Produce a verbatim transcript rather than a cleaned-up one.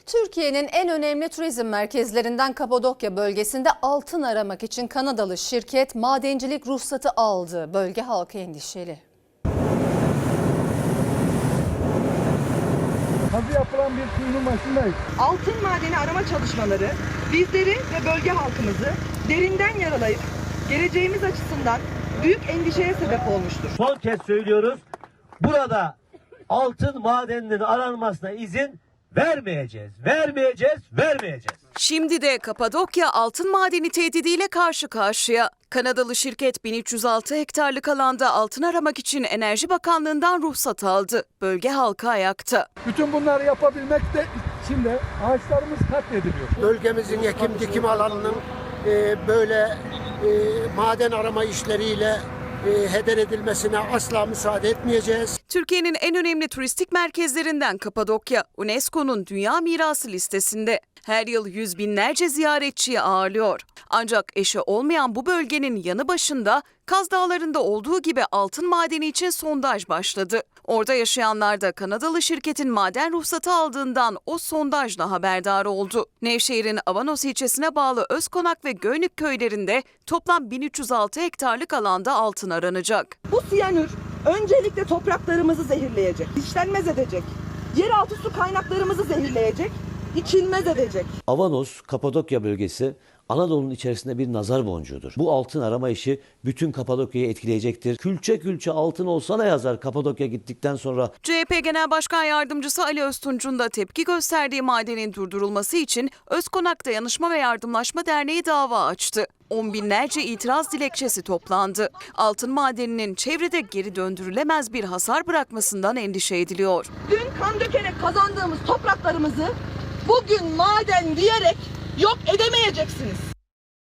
Türkiye'nin en önemli turizm merkezlerinden Kapadokya bölgesinde altın aramak için Kanadalı şirket madencilik ruhsatı aldı. Bölge halkı endişeli. Kazı yapılan bir kuyunun başındayız. Altın madeni arama çalışmaları bizleri ve bölge halkımızı derinden yaralayıp geleceğimiz açısından büyük endişeye sebep olmuştur. Son kez söylüyoruz, burada altın madeninin aranmasına izin vermeyeceğiz, vermeyeceğiz, vermeyeceğiz. Şimdi de Kapadokya altın madeni tehdidiyle karşı karşıya. Kanadalı şirket bin üç yüz altı hektarlık alanda altın aramak için Enerji Bakanlığı'ndan ruhsat aldı. Bölge halkı ayakta. Bütün bunları yapabilmek de için de ağaçlarımız katlediliyor. Bölgemizin ekim dikim alanının e, böyle e, maden arama işleriyle e, heder edilmesine asla müsaade etmeyeceğiz. Türkiye'nin en önemli turistik merkezlerinden Kapadokya, UNESCO'nun Dünya Mirası listesinde. Her yıl yüz binlerce ziyaretçiyi ağırlıyor. Ancak eşi olmayan bu bölgenin yanı başında Kaz Dağları'nda olduğu gibi altın madeni için sondaj başladı. Orada yaşayanlar da Kanadalı şirketin maden ruhsatı aldığından o sondajla haberdar oldu. Nevşehir'in Avanos ilçesine bağlı Özkonak ve Göynük köylerinde toplam bin üç yüz altı hektarlık alanda altın aranacak. Bu siyanür öncelikle topraklarımızı zehirleyecek, işlenmez edecek, yeraltı su kaynaklarımızı zehirleyecek, içilmez edecek. Avanos, Kapadokya bölgesi Anadolu'nun içerisinde bir nazar boncuğudur. Bu altın arama işi bütün Kapadokya'yı etkileyecektir. Külçe külçe altın olsa ne yazar Kapadokya gittikten sonra? C H P Genel Başkan Yardımcısı Ali Öztunç'un da tepki gösterdiği madenin durdurulması için Özkonak Dayanışma ve Yardımlaşma Derneği dava açtı. On binlerce itiraz dilekçesi toplandı. Altın madeninin çevrede geri döndürülemez bir hasar bırakmasından endişe ediliyor. Dün kan dökerek kazandığımız topraklarımızı bugün maden diyerek yok edemeyeceksiniz.